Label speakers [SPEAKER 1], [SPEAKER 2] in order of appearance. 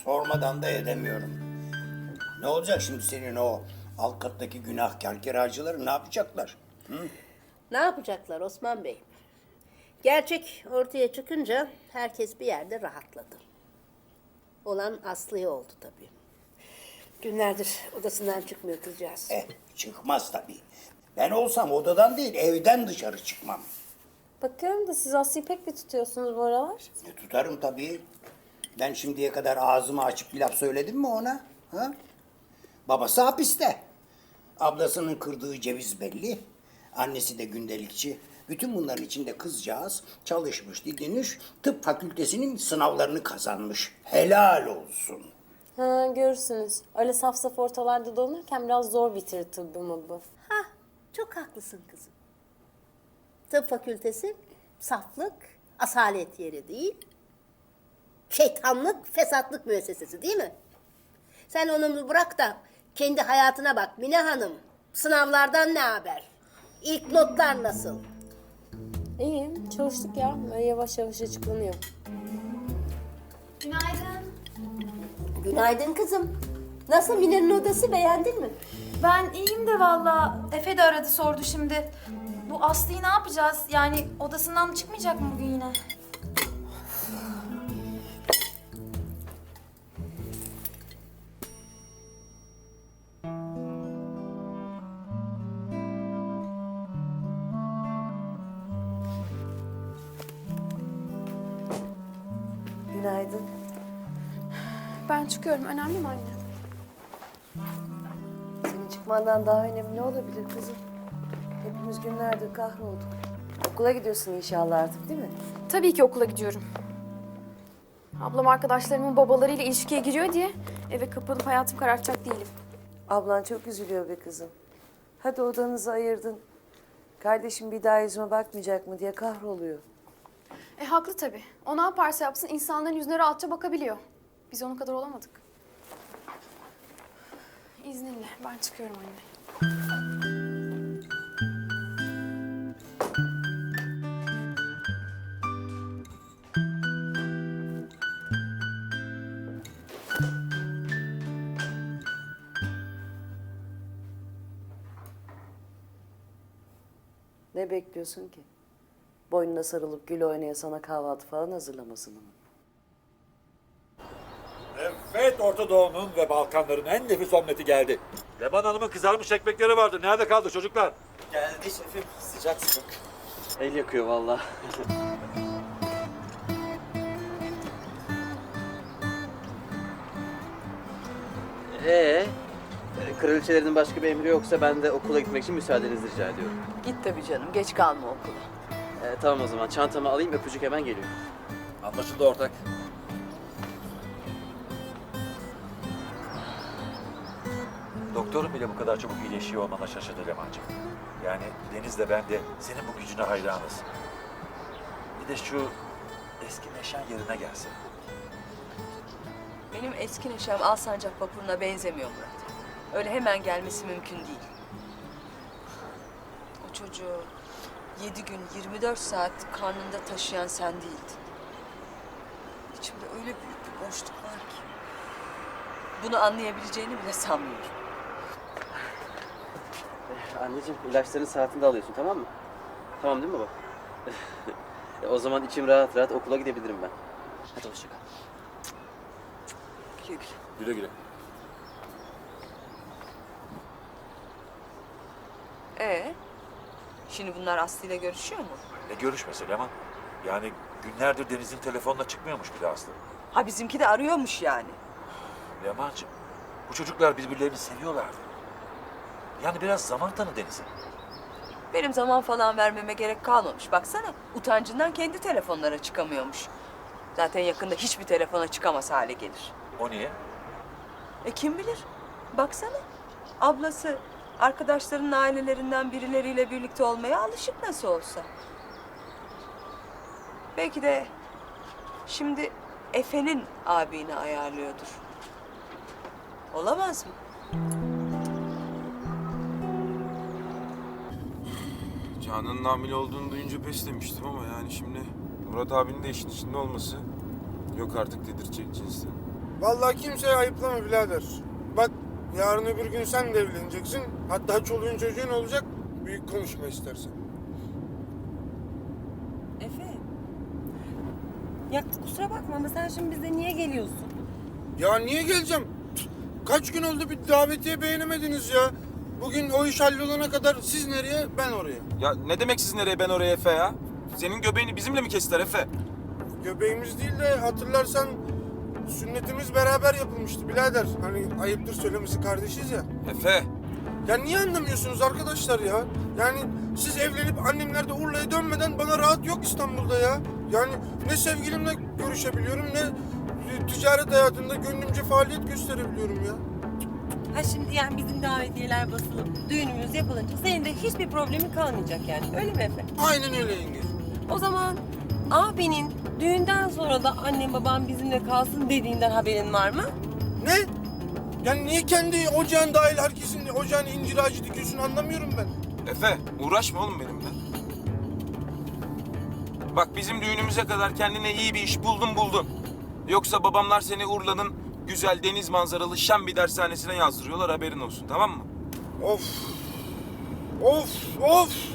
[SPEAKER 1] Sormadan da edemiyorum. Ne olacak şimdi senin o alt kattaki günahkar kiracıları ne yapacaklar?
[SPEAKER 2] Ne yapacaklar Osman Bey? Gerçek ortaya çıkınca herkes bir yerde rahatladı. Olan Aslı'ya oldu tabii. Günlerdir odasından çıkmıyor kızcağız.
[SPEAKER 1] Çıkmaz tabii. Ben olsam odadan değil evden dışarı çıkmam.
[SPEAKER 3] Bakıyorum da siz Aslı'yı pek bir tutuyorsunuz bu aralar.
[SPEAKER 1] Tutarım tabii. Ben şimdiye kadar ağzımı açıp bir laf söyledim mi ona? Ha? Babası hapiste. Ablasının kırdığı ceviz belli. Annesi de gündelikçi. Bütün bunların içinde kızcağız çalışmış, didinmiş, tıp fakültesinin sınavlarını kazanmış. Helal olsun.
[SPEAKER 3] Ha, görürsünüz. Öyle saf saf ortalarda dolanırken biraz zor bitirir tıbbımı bu.
[SPEAKER 2] Hah, çok haklısın kızım. Tıp fakültesi saflık, asalet yeri değil. Şeytanlık, fesatlık müessesesi değil mi? Sen onu bırak da kendi hayatına bak Mine Hanım. Sınavlardan ne haber? İlk notlar nasıl?
[SPEAKER 3] İyi, çalıştık ya. Böyle yavaş yavaş açıklanıyor.
[SPEAKER 4] Günaydın.
[SPEAKER 2] Günaydın kızım. Nasıl Mine'nin odası, beğendin mi?
[SPEAKER 4] Ben iyiyim de valla. Efe de aradı sordu şimdi. Bu Aslı'yı ne yapacağız? Yani odasından çıkmayacak mı bugün yine?
[SPEAKER 5] Günaydın.
[SPEAKER 6] Ben çıkıyorum. Önemli mi anne?
[SPEAKER 5] Senin çıkmandan daha önemli ne olabilir kızım? Hepimiz günlerdir kahrolduk. Okula gidiyorsun inşallah artık değil mi?
[SPEAKER 6] Tabii ki okula gidiyorum. Ablam arkadaşlarımın babalarıyla ilişkiye giriyor diye eve kapanıp hayatımı karartacak değilim.
[SPEAKER 5] Ablan çok üzülüyor be kızım. Hadi odanızı ayırdın. Kardeşim bir daha yüzüme bakmayacak mı diye kahroluyor.
[SPEAKER 6] Haklı tabii. O ne yaparsa yapsın insanların yüzüne rahatça bakabiliyor. Biz onun kadar olamadık. İzninle ben çıkıyorum anne.
[SPEAKER 5] Ne bekliyorsun ki? Boynuna sarılıp gül oynaya sana kahvaltı falan hazırlamasını mı?
[SPEAKER 7] Evet, Orta Doğu'nun ve Balkanların en nefis omleti geldi. Leman Hanım'ın kızarmış ekmekleri vardı. Nerede kaldı çocuklar?
[SPEAKER 8] Geldi şefim. Sıcak sıcak. El yakıyor vallahi. Ee, kraliçelerin başka bir emri yoksa ben de okula gitmek için müsaadenizi rica ediyorum.
[SPEAKER 9] Git tabii canım, geç kalma okula.
[SPEAKER 8] Tamam o zaman çantamı alayım öpücük hemen geliyor.
[SPEAKER 7] Anlaşıldı ortak. Doktorun bile bu kadar çabuk iyileşiyor olmana şaşırdı Leman'cığım. Yani Deniz de ben de senin bu gücüne hayranız. Bir de şu eski neşen yerine gelsin.
[SPEAKER 9] Benim eski neşem Alsancak vapuruna benzemiyor Murat. Öyle hemen gelmesi mümkün değil. O çocuğu 7 gün 24 saat karnında taşıyan sen değildin. İçimde öyle büyük bir boşluk var ki. Bunu anlayabileceğini bile sanmıyorum.
[SPEAKER 8] Anneciğim ilaçların saatinde alıyorsun tamam mı? Tamam değil mi baba? O zaman içim rahat rahat okula gidebilirim ben. Hadi hoşça kal.
[SPEAKER 9] Güle güle.
[SPEAKER 7] Güle güle.
[SPEAKER 9] Şimdi bunlar Aslı ile görüşüyor mu?
[SPEAKER 7] Ne görüşmesi Leman? Yani günlerdir Deniz'in telefonla çıkmıyormuş bile Aslı.
[SPEAKER 9] Ha bizimki de arıyormuş yani.
[SPEAKER 7] Leman'cığım bu çocuklar birbirlerini seviyorlardı. Yani biraz zaman tanı Deniz'e.
[SPEAKER 9] Benim zaman falan vermeme gerek kalmamış. Baksana utancından kendi telefonlara çıkamıyormuş. Zaten yakında hiçbir telefona çıkamaz hale gelir.
[SPEAKER 7] O niye?
[SPEAKER 9] Kim bilir? Baksana ablası arkadaşlarının ailelerinden birileriyle birlikte olmaya alışık nasıl olsa. Belki de şimdi Efe'nin abini ayarlıyordur. Olamaz mı?
[SPEAKER 10] Canan'ın hamile olduğunu duyunca pes demiştim ama yani şimdi Murat abinin de işin içinde olması yok artık dedirtecek cinsten. Vallahi kimseye ayıplama birader. Bak yarın öbür gün sen de evleneceksin. Hatta çoluğun çocuğun olacak. Büyük konuşma istersen.
[SPEAKER 11] Efe. Ya kusura bakma ama sen şimdi bize niye geliyorsun?
[SPEAKER 10] Ya niye geleceğim? Kaç gün oldu bir davetiye beğenemediniz ya. Bugün o iş hallolana kadar siz nereye ben oraya.
[SPEAKER 12] Ya ne demek siz nereye ben oraya Efe ya? Senin göbeğini bizimle mi kestiler Efe?
[SPEAKER 10] Göbeğimiz değil de hatırlarsan sünnetimiz beraber yapılmıştı birader. Hani ayıptır söylemesi kardeşiz ya.
[SPEAKER 12] Efe.
[SPEAKER 10] Ya niye anlamıyorsunuz arkadaşlar ya? Yani siz evlenip annemler de Urla'ya dönmeden bana rahat yok İstanbul'da ya. Yani ne sevgilimle görüşebiliyorum ne ticaret hayatında gönlümce faaliyet gösterebiliyorum ya.
[SPEAKER 11] Ha şimdi yani bizim davetiyeler basılıp düğünümüz yapılınca senin de hiçbir problemin kalmayacak yani. Öyle mi Efe?
[SPEAKER 10] Aynen öyle yenge.
[SPEAKER 11] O zaman abinin düğünden sonra da annem babam bizimle kalsın dediğinden haberin var mı?
[SPEAKER 10] Ne? Yani niye kendi ocağın dahil herkesin ocağına incir ağacı dikiyorsun anlamıyorum ben.
[SPEAKER 12] Efe uğraşma oğlum benimle. Bak bizim düğünümüze kadar kendine iyi bir iş buldun. Yoksa babamlar seni Urla'nın güzel deniz manzaralı şen bir dershanesine yazdırıyorlar haberin olsun tamam mı?
[SPEAKER 10] Of. Of.